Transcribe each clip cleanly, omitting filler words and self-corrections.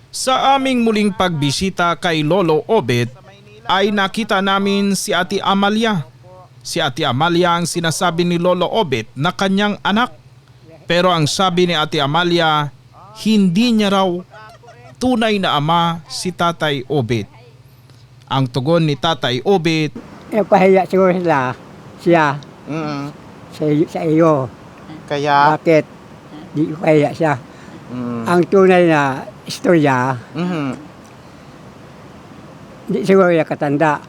Sa aming muling pagbisita kay Lolo Obet ay nakita namin si Ate Amalia. Si Ate Amalia ang sinasabi ni Lolo Obet na kanyang anak. Pero ang sabi ni Ate Amalia, hindi niya raw tunay na ama si Tatay Obet. Ang tugon ni Tatay Obet, Pahiya siguro siya Mm. sa iyo. Kaya, Bakit? Di ko pahiya siya. Ang tunay na istorya, mhm. di siguro niya katanda.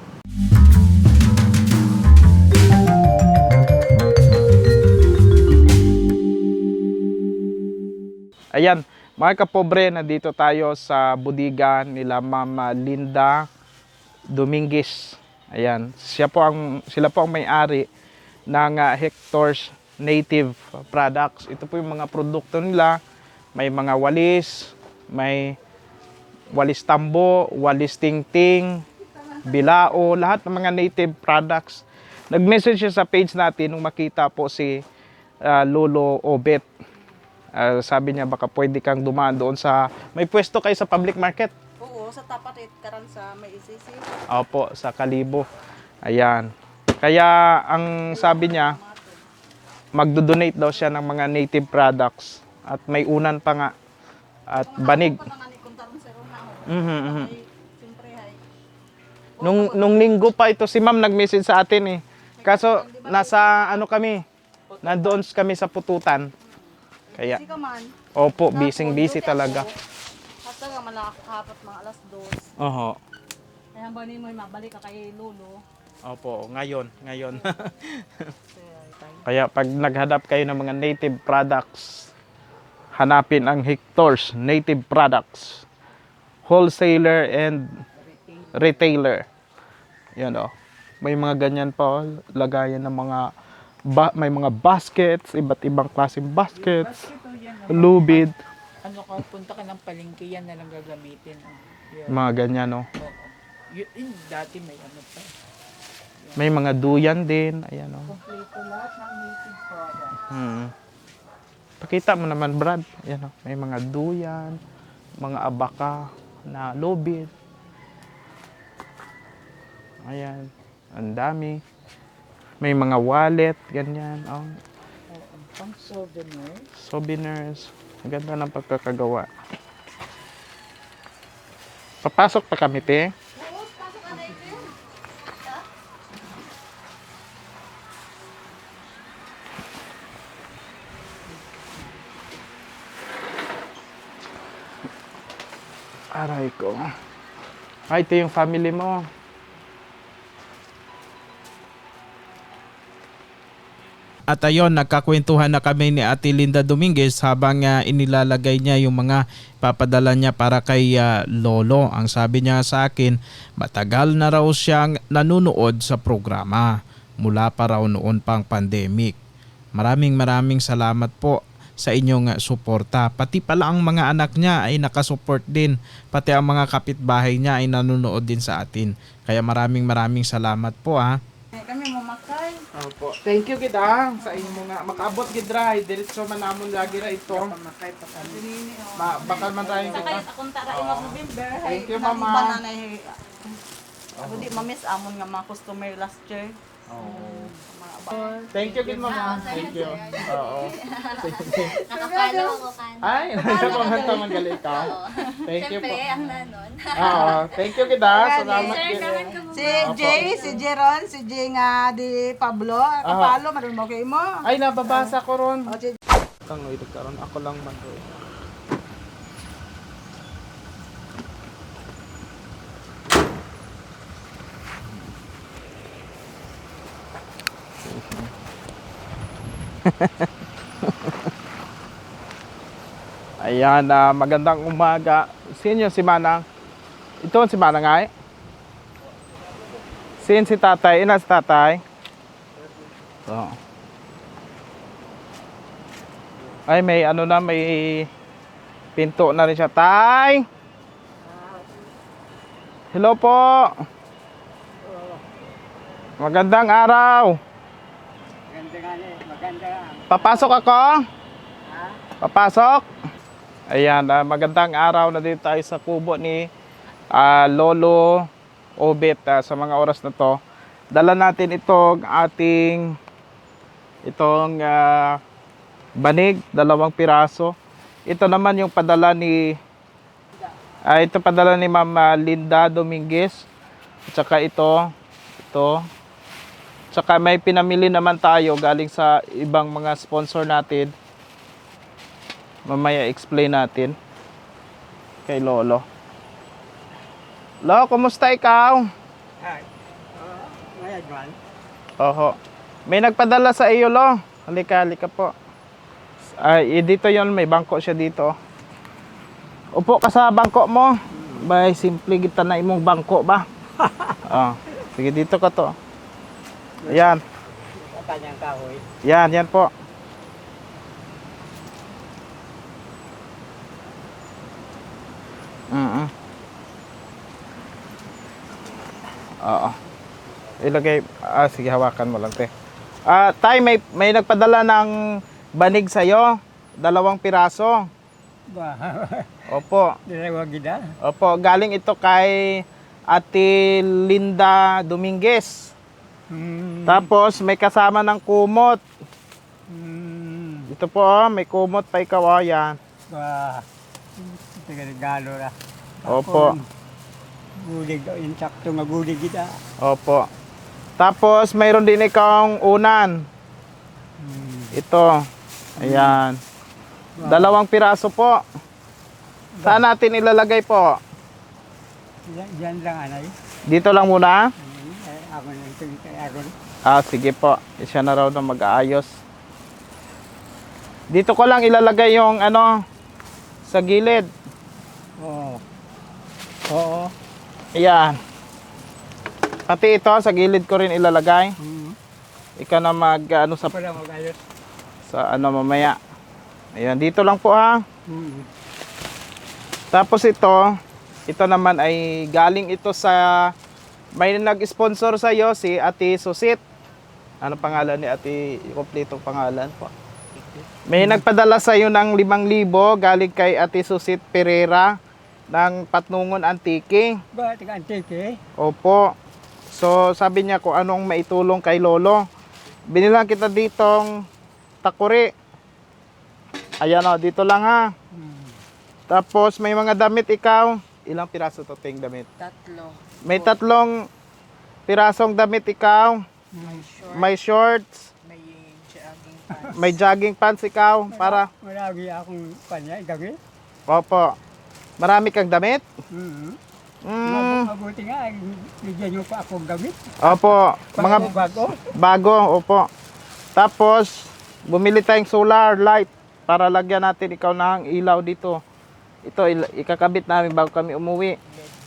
Ayan, mga kapobre, nandito tayo sa budiga nila Mama Linda Dominguez. Ayan, sila po ang may-ari ng Hector's Native Products. Ito po yung mga produkto nila. May mga walis, may walis tambo, walis tingting, bilao, lahat ng mga native products. Nag-message siya sa page natin nung makita po si Lolo Obet. Sabi niya baka pwede kang dumaan doon sa, may pwesto kayo sa public market. Oo, sa tapat karan sa may isisi. Opo, sa Kalibo. Ayan. Kaya ang sabi niya, magdo-donate daw siya ng mga native products. At may unan pa nga. At banig. Nung linggo pa ito, si ma'am nag-message sa atin eh. Kaso, nasa ano kami, nandoon kami sa pututan. Kaya, Kasi ka man. opo, busy talaga. Hasta ka man nakakahapot mga alas 2. Oho. Kaya ba ni mo mabalik ka kay Lolo? Opo, ngayon. Kaya pag naghanap kayo ng mga native products, hanapin ang Hector's Native Products. Wholesaler and retailer. Yan o. May mga ganyan pa, lagayan ng mga, may mga baskets, iba't ibang klaseng baskets, lubid, Ano ka, punta ka ng palengke, yan na lang gagamitin. Yun. mga ganyan o. Oo. Yun, dati may ano pa. May mga duyan din, ayan o. Kompleto lahat ng native product. Pakita mo naman, Brad. Ayan o. May mga duyan, mga abaka na lubid. Ayan. Ang dami. May mga wallet, ganyan. Oh. Pang souvenir. Souvenirs. Ang ganda ng pagkakagawa. Papasok pa kami, te. Aray ko. Ay, ito yung family mo. at ayon, nagkakwentuhan na kami ni Ate Linda Dominguez habang inilalagay niya yung mga papadala niya para kay Lolo. Ang sabi niya sa akin, matagal na raw siyang nanunood sa programa mula pa raw noon pang pandemic. Maraming salamat po sa inyong suporta. Pati pala ang mga anak niya ay nakasupport din. Pati ang mga kapitbahay niya ay nanonood din sa atin. Kaya maraming salamat po ha. Kami mamakay. Opo. Thank you kita sa inyo mga makaabot gidra diretso man namon lagi ra ito. Pamakay pa kami. Bakal man tayo kita. Sakay akong tara imong November. Thank you, Mama. Ako di mamiss amon nga mga customer last year. Thank you gid mama. Thank you. Oo. Nakapalo ako kan. Ay, nagpapanghanta man gali ka. Thank you po. Siyempre, ang nanon. Oo, thank you kita. Salamat gid. Si Jay, si Jeron, si Jay nga di Pablo. Kapalo, marunong mo kayo mo. Ay, nababasa ko ron. O, si Kang wait karon ako lang man to. Ayan, magandang umaga. Sino si Manang? Ito si Manang ay? Sino si Tatay? Ina si Tatay? So. Ay, may ano na, may pinto na rin siya. Tay! Hello po! Magandang araw! Maganda. Papasok ako? Papasok? Ayan, magandang araw na dito tayo sa kubo ni Lolo Obet. Sa mga oras na to, dala natin itong banig, 2 piraso. Ito naman yung padala ni Ma'am Linda Dominguez. At saka ito. Tsaka may pinamili naman tayo galing sa ibang mga sponsor natin. Mamaya explain natin kay Lolo. Lo, kumusta ikaw? Ayan, Juan. Oho. May nagpadala sa iyo, Lo. Halika po. Dito yon, may bangko siya dito. Upo ka sa bangko mo. Bay, simple kita na imong bangko ba? Sige, dito ka to. Ayan. Sa kanyang kahoy. Yan po. Oo. Ilagay, sige, hawakan mo lang, te. Tay, may nagpadala ng banig sa'yo. 2 piraso. Ba, Opo. dalawang gida. Opo, galing ito kay Ate Linda Dominguez. Tapos, may kasama ng kumot. Ito po, may kumot pa ikaw, yan. Ba, regalo na. Opo. Gulig, yung sakto nga gulig kita. Opo. Tapos, mayroon din ikawang unan. Ito. Ayan. 2 piraso po. Saan natin ilalagay po? Yan lang, anay. Dito lang muna? Ako na ito, ako na. Sige po. Siya na raw na mag-aayos. Dito ko lang ilalagay yung sa gilid. Oo. Ayan. Pati ito, sa gilid ko rin ilalagay. Ikaw na Para mag-ayos. sa mamaya. Ayan, dito lang po ha. Tapos ito naman ay galing ito sa, may nag-sponsor sa iyo, si Ate Susit. Ano pangalan ni Ate, kompletong pangalan po? May nagpadala sa iyo ng 5,000 galing kay Ate Susit Pereira ng Patnungon Antique. Ba, taga-antike? Opo. So, sabi niya kung anong maitulong kay Lolo. Binilang kita ditong takuri. Ayan o, dito lang ha. Tapos, may mga damit ikaw. Ilang piraso to, ting damit? 3. May 3 pirasong damit ikaw. May short. May shorts. May jogging pants. May jogging pants ikaw. Para, Marami akong kanya, gabi. opo. Marami kang damit? Mabuti nga, bigyan nyo pa akong gamit. Opo. Mga Bago. bago, opo. Tapos, bumili tayong solar light para lagyan natin ikaw ng ilaw dito. Ito, ikakabit namin bago kami umuwi.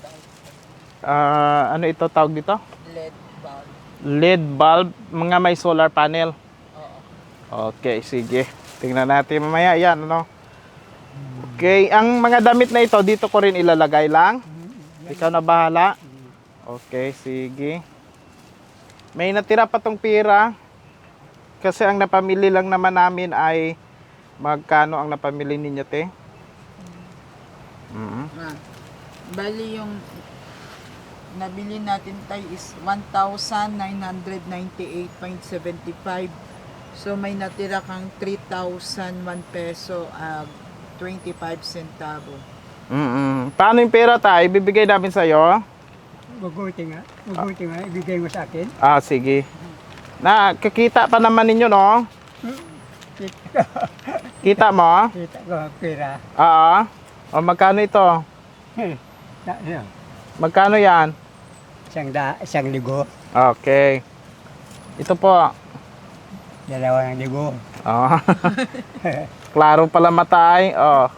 Ano ito tawag dito? LED bulb. LED bulb, mga may solar panel. Oo. Okay, sige. Tingnan natin mamaya. Yan, Okay, ang mga damit na ito, dito ko rin ilalagay lang. Ikaw na bahala. Okay, sige. May natira pa tong pira. Kasi ang napamili lang naman namin ay magkano ang napamili ninyo, te? Bali yung nabili natin tayo is 1,998.75. So may natira kang 3,001 peso 25 centavo. Paano yung pera, tay? Ibibigay namin sa'yo? Mabuti nga, ibigay mo sa akin. Sige. Kakita pa naman ninyo, no? Kita mo? Kita ko ang pera. Oo. O, magkano ito? Magkano yan? Isang ligo, Okay. Ito po. 2,000. Oh. Klaro pala matay.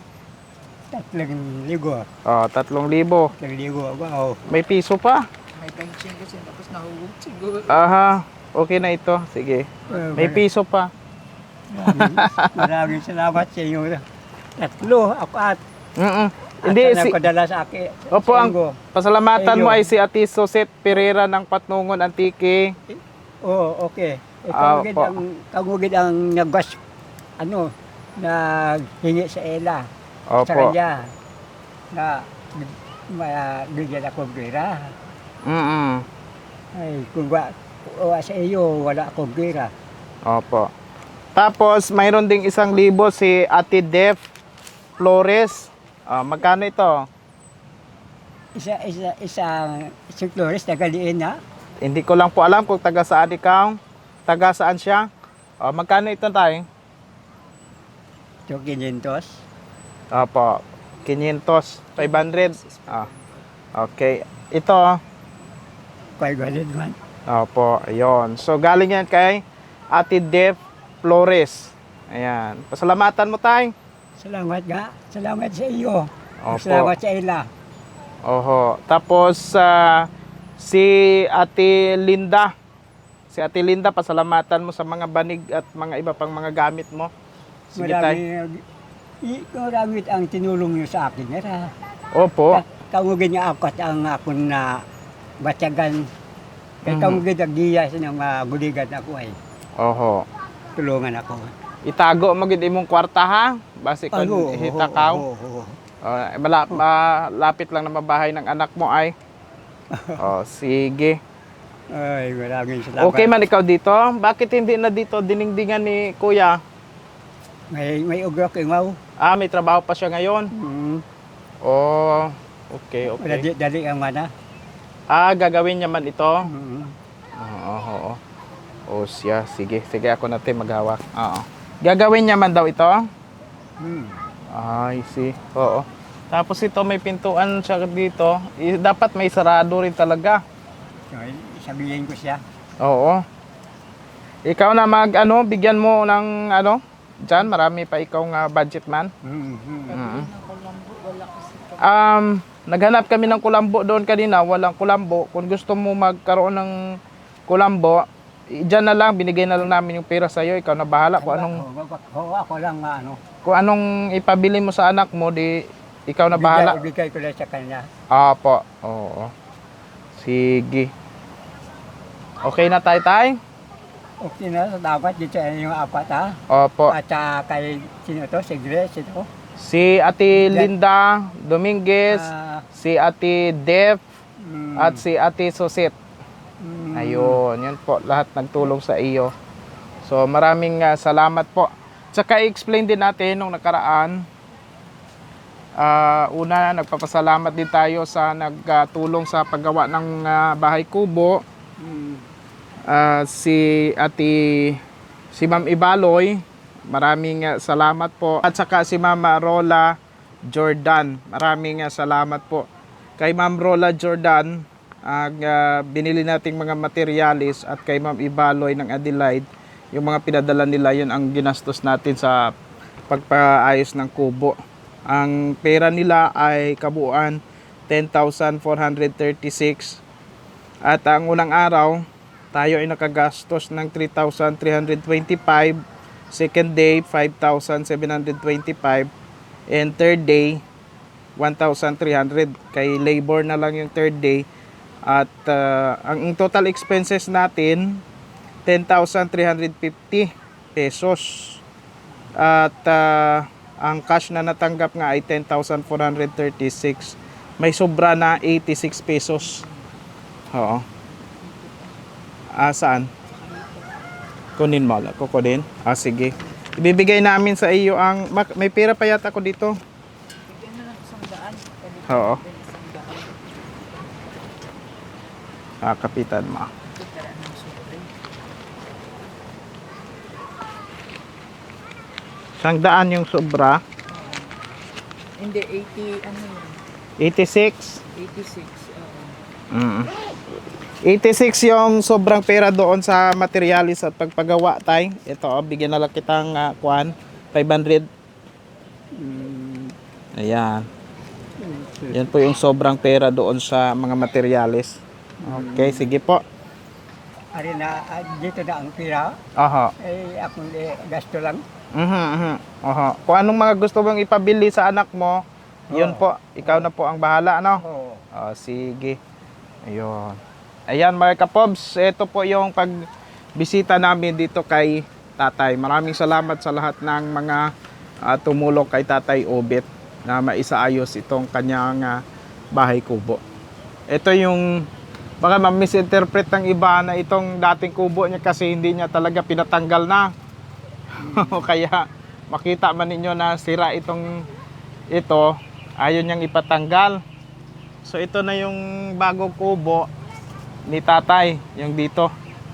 3 ligo. 3,000. 3 ligo, wow. May piso pa. May 25 kasi tapos nahugog siguro. Aha. Okay na ito. Sige. May piso pa. Maraming salamat sa inyo. 3, ako at Hindi, padala sa akin. Opo, sa ang inyo. pasalamatan mo Ayun. ay si Ate Susit Pereira ng Patnungon Antique. Oo, okay. Opo. Kagugid ang nagwas, naghingi sa Ela. sa Opo. kanya na bigyan akong pera. Mm. Ay, kung sa iyo, wala akong pera. Opo. Tapos, mayroon ding 1,000 si Ate Def Flores. Magkano ito? Isang Flores na galiin na. Hindi ko lang po alam kung taga saan ikaw. Taga saan siya? Magkano ito tayo? So, 500. Opo. 500. 500. Okay. Ito. Kaya galit man. Opo. Ayun. So, galing yan kay Ate Def Flores. Ayan. Pasalamatan mo tayo. Salamat nga. Salamat sa iyo. Opo. Salamat sa ila. Oho. Tapos, si Ate Linda. Si Ate Linda, pasalamatan mo sa mga banig at mga iba pang mga gamit mo. Sige tayo. Marami ang tinulong niyo sa akin. Era. Opo. Kamugin niya ako at ang akong na batyagan. Kaya kamugin ang giyas ng buligan ako ay Oho. tulungan ako. Itago mo gid imong kwarta ha. Basi kun hitakaw. Malapit lang na mabahay ng anak mo ay. Sige. Ay, maraming salamat. Okay man ikaw dito? Bakit hindi na dito diningdingan ni Kuya? May ugrok ingaw. May trabaho pa siya ngayon. Okay. Dali ang mana. Gagawin niya man ito. Mm. Oo. Siya. Sige ako natin maghawak. Oo. Gagawin niya man daw ito? I see. Oo. Tapos ito may pintuan siya dito. Dapat may sarado rin talaga. So, sabihin ko siya. Oo. Ikaw na bigyan mo ng dyan, marami pa ikaw nga budget man. Naghanap kami ng kulambo doon kanina, walang kulambo. Kung gusto mo magkaroon ng kulambo, dyan na lang, binigay na lang namin yung pera sa'yo. Ikaw na bahala kung anong, Ako lang kung anong ipabili mo sa anak mo, di ikaw na bahala. Ibigay ko lang sa kanya. Apo, oo. Sige. Okay na tayo? Okay na, dapat dito yung apat ha. Opo. At kay sino to? Si Grace ito. Si Ate Linda Dominguez, si Ate Def, at si Ate Susit. Ayun, yun po, lahat nagtulong sa iyo. So maraming salamat po. Tsaka i-explain din natin nung nakaraan. Una, nagpapasalamat din tayo sa nagtulong sa paggawa ng bahay kubo. Si Ma'am Ibaloy, maraming salamat po. At saka si Ma'am Rola Jordan, maraming salamat po. Kay Ma'am Rola Jordan, binili nating mga materialis, at kay Ma'am Ibaloy ng Adelaide, yung mga pinadala nila, yun ang ginastos natin sa pagpaayos ng kubo. Ang pera nila ay kabuuan 10,436, at ang unang araw tayo ay nakagastos ng 3,325, second day 5,725, and third day 1,300. Kay labor na lang yung third day. At ang total expenses natin 10,350 pesos, at ang cash na natanggap nga ay 10,436. May sobra na 86 pesos. Oo. Saan? Kunin mo. Kukunin? Sige. Ibibigay namin sa iyo ang... May pera pa yata ako dito. Bigyan na lang isang daan. Oo. Kapitan mo. Isang daan yung sobra. Hindi, 80, ano yun? 86. 86. 86 yung sobrang pera doon sa materialis at pagpagawa tay. Ito, bigyan na lang kitang 500. Ayan. Yan po yung sobrang pera doon sa mga materialis. Okay, sige po. Ari na, dito na ang pira. Aha. Akong gasto lang. Aha. Kung anong mga gusto mong ipabili sa anak mo, yun po, ikaw na po ang bahala, ano? Sige. Ayun. Ayan mga kapobs, ito po yung pagbisita namin dito kay Tatay. Maraming salamat sa lahat ng mga tumulong kay Tatay Obet. na maisaayos itong kanyang bahay kubo. Ito yung baka ma-misinterpret ng iba na itong dating kubo niya kasi hindi niya talaga pinatanggal na. Kaya makita man ninyo na sira ito, ayaw niyang ipatanggal. So ito na yung bagong kubo ni tatay, yung dito.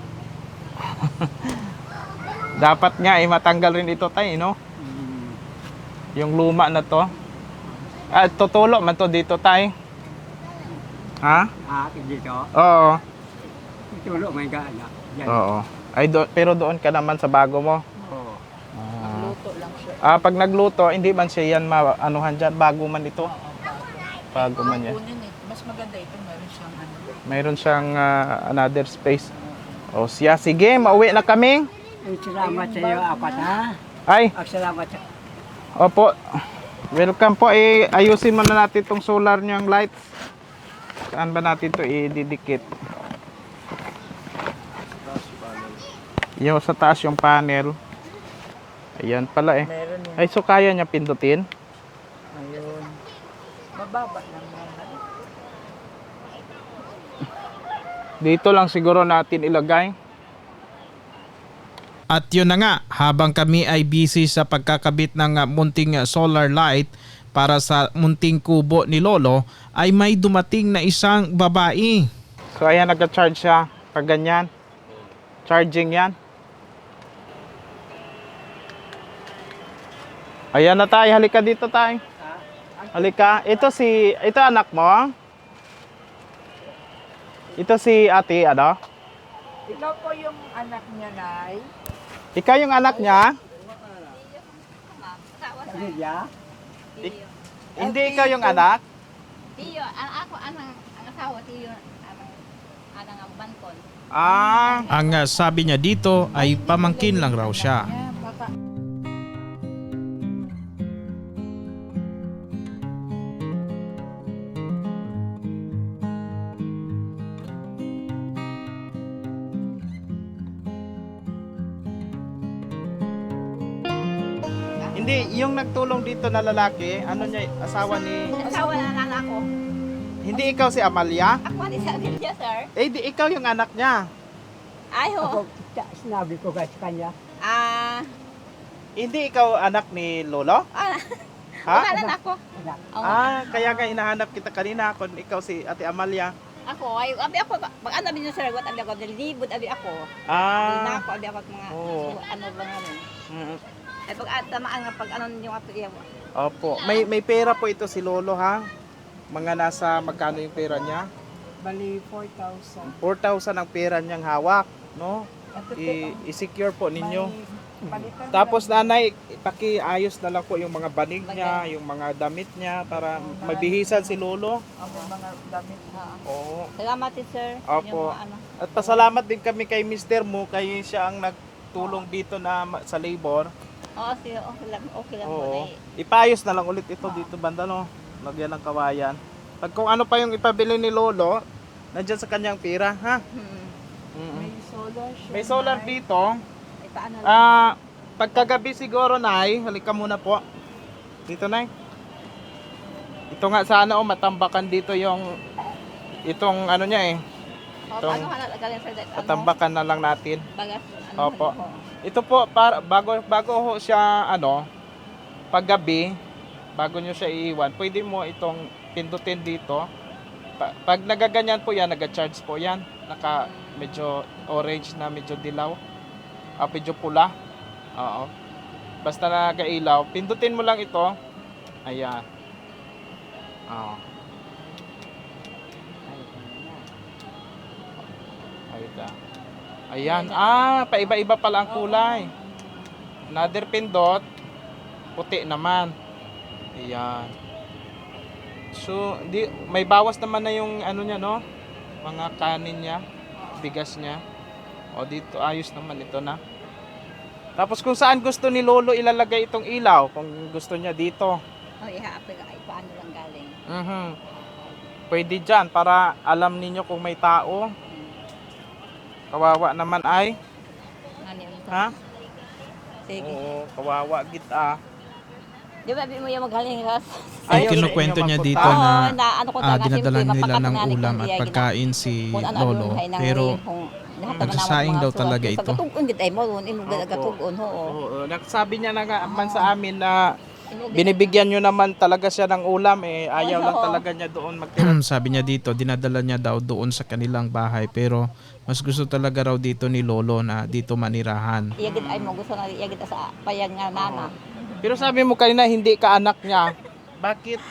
Dapat nga matanggal rin ito tay, no? Yung luma na to. Tutulo man to dito tay. Ha? Dito. Oo. Tulo may gana. Yan. Oo. Pero doon ka naman sa bago mo. Oo. Luto lang siya. Pag nagluto, hindi man siya yan anuhan dyan. Bago man ito. Bago man yan. Kunin eh. Mas maganda ito. Meron siyang ano. Mayroon siyang another space. O siya, sige, mauwi na kami. Salamat sa iyo, apat ha. Ay, Salamat sa opo. Welcome po. Ayusin muna natin itong solar niyang lights. Saan ba natin ito ididikit? Yung sa taas yung panel. Ayan pala eh. Meron yan. Ay, so kaya niya pindutin? Ayun. Mababa lang yan. Dito lang siguro natin ilagay. At yun na nga, habang kami ay busy sa pagkakabit ng munting solar light para sa munting kubo ni Lolo, ay may dumating na isang babae. So ayan, nag-charge siya. Pag ganyan. Charging yan. Ayan na tayo. Halika dito tayo. Halika. Ito anak mo? Ito si ate, ano? Ikaw po yung anak niya, Nay. Ikaw yung anak niya? pamilya. Hindi ikaw yung anak? Tiyo, ako ang asawa, tiyo, ang bangkon. Ang sabi niya dito ay pamangkin lang raw siya. Yeah, baka. Hindi, yung nagtulong dito na lalaki, ano niya, asawa ni... Asawa na lang ako. Hindi ikaw si Amalia? Ako ni Sabilya, sir. Eh, di ikaw yung anak niya. Ay, Ako, ho. sinabi ko sa kanya, Hindi ikaw anak ni Lolo? Ha? Wala na ako. anak, Kaya nga hinahanap kita kanina kung ikaw si Ate Amalia. Ako, ay, abi ako, pag ano bin yung sir, what abi ako, nilibot abi ako. Na ako, abi ako mga, Oo. ano ba nga nun. Mm, Ay, pag tamaan nga, pag ano yung ato iya. Opo. May pera po ito si Lolo, ha? Mga nasa magkano yung pera niya? Bali, 4,000. 4,000 ang pera niyang hawak, no? I-secure po ninyo. Tapos nanay, pakiayos na lang po yung mga banig niya, yung mga damit niya para mabihisan si Lolo. Ang mga damit. Oo. Salamat din, sir. Opo. Yung, ano, At pasalamat din kami kay Mr. Mo, kayo siya ang nagtulong dito na sa labor. okay lang Oo. muna eh. Ipaayos na lang ulit ito dito banda, no? Lagyan ng kawayan. Pag kung ano pa yung ipabili ni Lolo, nandyan sa kanyang pira, ha? Mm. May solar siya. May solar Nay. dito. Ipaano lang. Pagkagabi siguro, Nay, halika muna po. Dito, Nay. Ito nga sana, matambakan dito yung itong ano niya eh. Paano ka nalagalan, sir? Matambakan na lang natin. Bagas, Opo. Ito po, para, bago ho siya, paggabi, bago nyo siya iiwan, pwede mo itong pindutin dito. Pag nagaganyan po yan, naga-charge po yan. Medyo orange na, medyo dilaw. Medyo pula. Oo. Basta nagailaw, pindutin mo lang ito. Ayan. Oo. Ayan. Paiba-iba pala ang kulay. Another pindot, puti naman. Ayan. So, may bawas naman na yung ano niya, no? Mga kanin niya, bigas niya. O dito, ayos naman ito na. Tapos kung saan gusto ni Lolo ilalagay itong ilaw, kung gusto niya dito. Paano lang galing. Pwede dyan para alam ninyo kung may tao. Kawawa naman ay. Ano yun? Ha? Sige. Oo, kawawa git ah. Di ba, mo yung magaling ka? Ay, Ayaw sa kinukwento inyo niya magpunta? dito na na ano ko dinadala nila ng ulam at pagkain si Lolo. Pero nagsasaing daw talaga ito. Katugon gid ay mo, imo katugon ho. Oo, nagsabi niya na nga man sa amin na binibigyan nyo naman talaga siya ng ulam ayaw lang talaga niya doon magtira. Sabi niya dito, dinadala niya daw doon sa kanilang bahay pero mas gusto talaga raw dito ni Lolo na dito manirahan. Iya gid ay mo gusto nga iya gid sa payag nga nana. Pero sabi mo kanina hindi ka anak niya. Bakit?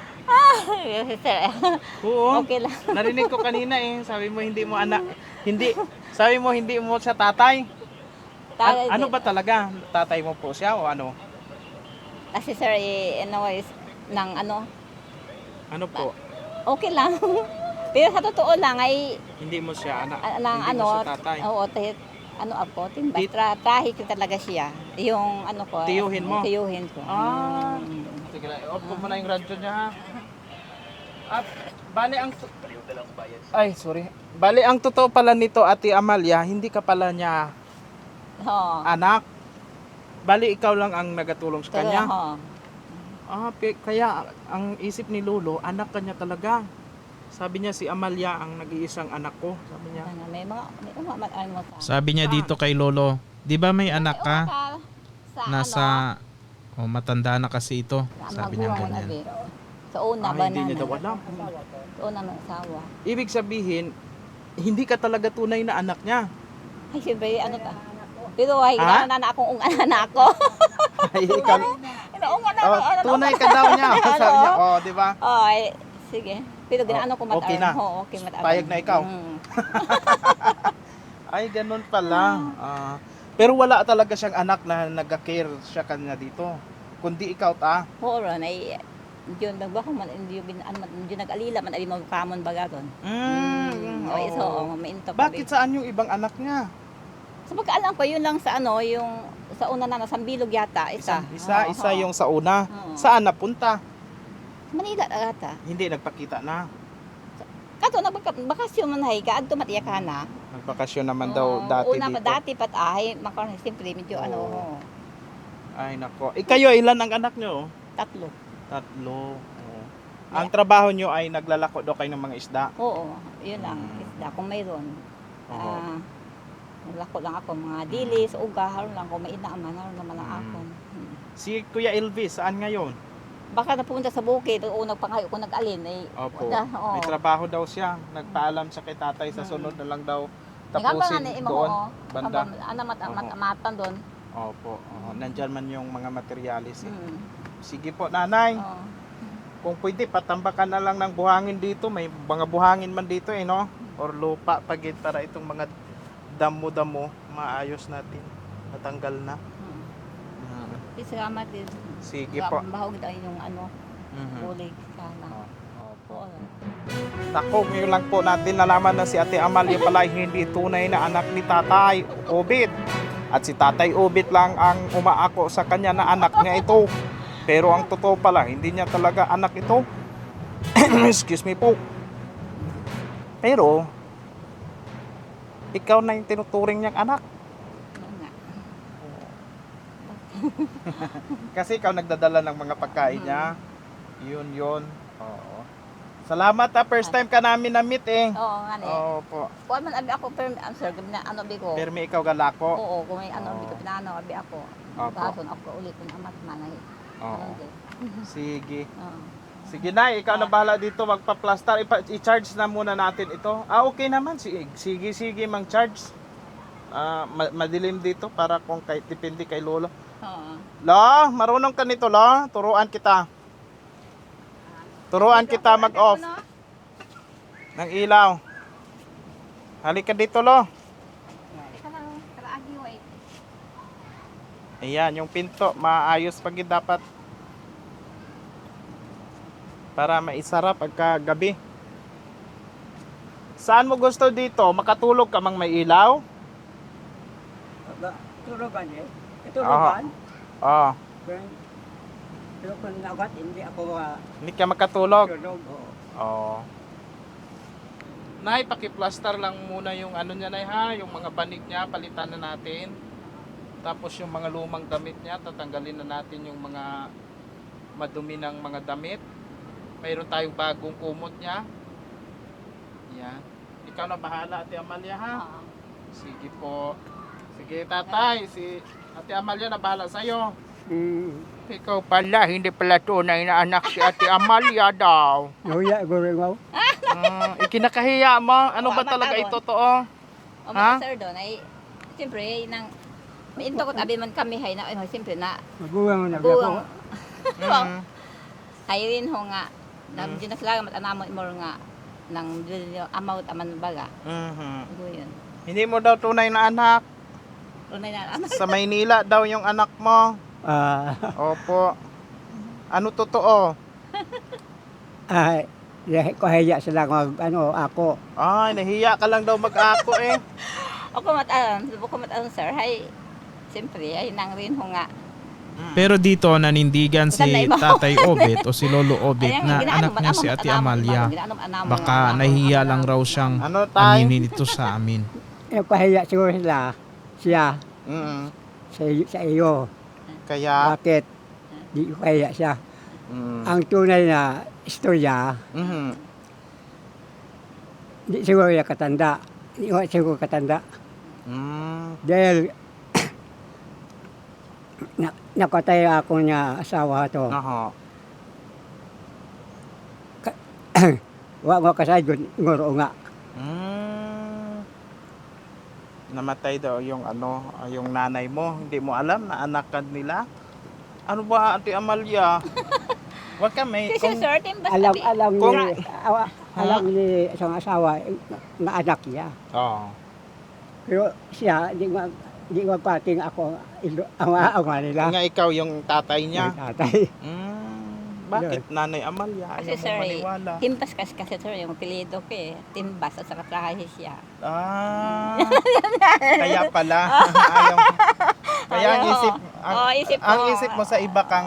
Oo. Okay lang. Narinig ko kanina sabi mo hindi mo anak. Hindi. Sabi mo hindi mo siya tatay. Ano ba talaga? Tatay mo po siya o ano? Kasi sir, anyways, ng ano, Ano po? okay lang. Pero sa totoo lang ay, Hindi mo siya anak. lang hindi ano, mo siya tatay. oo, ano ako, timbay, trahik ko talaga siya. Yung ano ko. Tiyuhin mo? Tiyuhin ko. Ah. Sige lang, off ko muna yung radyo niya ha. At bali ang Ay, sorry. Bali ang totoo pala nito, Ate Amalia, hindi ka pala niya Oo. anak. Bali ikaw lang ang nagatulong sa kanya. Oo. Kaya ang isip ni Lolo, anak kanya talaga. Sabi niya si Amalia ang nag-iisang anak ko, sabi niya. Ano, may mga ano mo sa. Sabi niya dito kay Lolo, di ba may anak ka? Sa Nasa, matanda na kasi ito. Sabi niya magulang ganyan. abi. Sa una ba Hindi niya daw alam. Sa una ng asawa. Ibig sabihin, hindi ka talaga tunay na anak niya. Ay, siyempre, ano ta? Pero ay, Ha? na akong anak ko. Ay, ikaw, Inaungan na oh, tunay ka daw niya. Sabi niya, oh, di ba? Oh, ay, sige. Pero ginaano ko okay na. Oo, okay matagal. Payag na ikaw. Mm. Ay, ganun pala. Pero wala talaga siyang anak na nag-care siya kanya dito. Kundi ikaw Oo, ron, ay, yun, nagbako man, hindi nag-alila man, ali mo kamon baga ron. Ay, so, mainto pa. Bakit saan yung ibang anak niya? So, pagkaalam ko, yun lang sa ano, yung, sa una na, Sambilog yata, isa. Isa Oo. yung sa una. Oo. Saan napunta? Manila ata. Hindi nagpakita na. Kato, nagbakasyon man hay ka, adto matiya ka na. Nagbakasyon naman daw dati Una dito. pa dati pat ay, makaroon siyempre medyo Oo. ano, Ay nako. Kayo, ilan ang anak nyo? tatlo. Tatlo. Oo. Ang trabaho nyo ay naglalako daw kayo ng mga isda. Oo, yun lang, isda kung mayroon. Oo. Naglako lang ako mga dilis, uga, haron lang kung may inaaman, haron naman lang ako. Si Kuya Elvis, saan ngayon? Baka napunta sa bukid, o nagpangayo ko nag-alin, eh, Opo. oo. May trabaho daw siya. Nagpaalam siya kay tatay sa sunod na lang daw tapusin doon. Banda. Ano Oo. matan doon. Opo. Nandyan man yung mga materialis. Mm. Sige po, nanay. Oo. Kung pwede, patambakan na lang ng buhangin dito. May mga buhangin man dito no? Or lupa pagit para itong mga damo-damo maayos natin. Natanggal na. Salamat din. Sige po. Bahog tayo yung ano, Mhm. kulig sana. Opo. Tako, ngayon lang po natin nalaman na si Ate Amalia pala ay hindi tunay na anak ni Tatay Obit. At si Tatay Obit lang ang umaako sa kanya na anak niya ito. Pero ang totoo pala, hindi niya talaga anak ito. Excuse me po. Pero, ikaw na yung tinuturing niyang anak. Oo nga. Kasi ikaw nagdadala ng mga pagkain niya. Yun. Oo. Salamat first time ka namin na-meet Oo nga ni. Opo. Kuan man abi ako pero answer gab na ano bi ko. Pero may ikaw galako. Oo, kung may ano bi ko pinano abi ako. Opo. Bason ako ulit kung amat man ay. Oo. Sige. Oo. Sige na, ikaw na bahala dito magpa-plaster. I-charge na muna natin ito. Okay naman. Sige, mang-charge. Madilim dito para kung depende kay Lolo. Oo. Lo, marunong ka nito, Lo. Turuan kita. Turuan kita mag-off ng ilaw. Halika dito, Lo. Ayan, yung pinto. Maayos pag dapat. Para maisara pagka gabi. Saan mo gusto dito? Makatulog ka mang may ilaw? Turugan eh. Turugan. Oo. Pero kung nagat, hindi ako Hindi ka makatulog? tulog. Oo. Nay, paki-plaster lang muna yung ano niya, Nay, ha? Yung mga banig niya, palitan na natin. Tapos yung mga lumang damit niya, tatanggalin na natin yung mga madumi ng mga damit. Mayroon tayong bagong kumot niya. Yan. Ikaw na bahala, Ate Amalia, ha? Oo. Sige po. Sige, tatay. Si Ate Amalia na bahala sa'yo. Ikaw pala, hindi pala tunay na anak si Ate Amalia daw. Nuya, guro mo. Ikinakahiya mo. Ano ba Oo, talaga matabon. ito totoo? O Ha? mga sir doon ay, siyempre, nang, mainto ko tabi man kami hay na, siyempre na, Maguwang mo na buwang, Mm. ay rin ho nga, na di na sila matanamon mo nga, nang amaut aman baga. Mhm. Ito yun. Hindi mo daw tunay na anak. Unay na, ano, Sa Maynila daw yung anak mo. Opo. Ano totoo? Kahiya sila ako. Ay, nahiya ka lang daw mag-ako eh. o kumataan sir, hay, siyempre, ay nang rin ho nga, Pero dito nanindigan si Sanay mo. Tatay Obet o si Lolo Obet Ayan, na ginaano anak man, niya si amon, Ate anamon, Amalia. ginaano, Baka nahihiya lang raw siyang Ano tay? aminin ito sa amin. Kahiya siguro siya Mm. sa iyo. Kaya, Bakit? Di ko kahiya siya. mm. Ang tunay na istorya, Mhm. di siguro niya katanda. Di ko siguro katanda. Mm. Dahil nakatay ako niya asawa to. Aha. Wa mo kasayod ngoro nga. Mm. Namatay daw yung yung nanay mo. Hindi mo alam na anak ka nila. Ano ba, Ate Amalia? Wag ka may Kasi sir, timbas Alam Kung- ni alam ni isang asawa na anak niya. Oo. Pero siya di magpating ako ang nila. Nga ikaw yung tatay niya. Ang tatay. Bakit Nanay Amalia? Kasi Ayaw mo sir, maniwala. timbas kasi sir, yung apelyido ko eh, timbas at saka trahe siya. Ah, kaya pala. Ayaw. Kaya ang Ayaw. isip, Oo, isip ko. ang isip mo sa iba kang,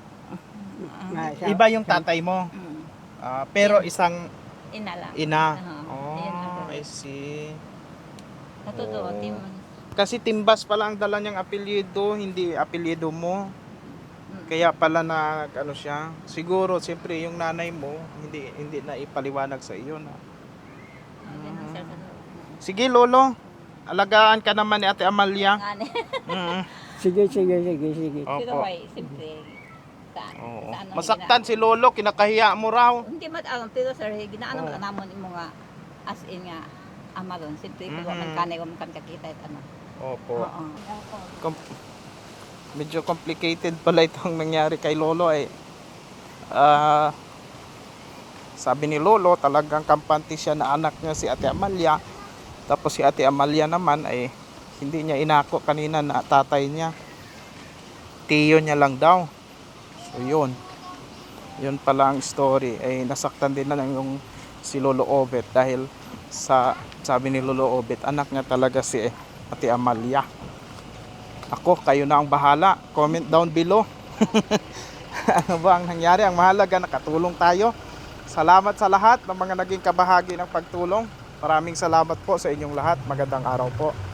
iba yung tatay mo. Mm. Pero isang Ina lang. ina. Ayun lang. Oh, I see. Sa totoo, Oo. tim- Kasi Timbas pala ang dala niyang apelyido, hindi apelyido mo. Mm. Kaya pala na ano siya. Siguro siyempre yung nanay mo hindi na ipaliwanag sa iyo na. Ayun lang, sir, sa totoo. Sige lolo, alagaan ka naman ni Ate Amalia. Ngani. Mm. Sige. Pero Opo. ay, simple. Oo. Sa ano, Masaktan si lolo, kinakahiya mo raw. Hindi pero sir, ginaano Oo. mo namon mo nga as in nga ama ron. Simple ko Mhm. man kanay ko man kan kakita at ano. Opo. Oo. Medyo complicated pala itong nangyari kay lolo eh. Sabi ni lolo talagang kampante siya na anak niya si Ate Amalia. Tapos si Ate Amalia naman ay hindi niya inako kanina na tatay niya. Tiyo niya lang daw. So yun. Yun pala ang story. Ay nasaktan din na yung si Lolo Obet dahil sabi ni Lolo Obet anak niya talaga si Ate Amalia. Ako, kayo na ang bahala. Comment down below. Ano ba ang nangyari? Ang mahalaga, nakatulong tayo. Salamat sa lahat ng mga naging kabahagi ng pagtulong. Maraming salamat po sa inyong lahat. Magandang araw po.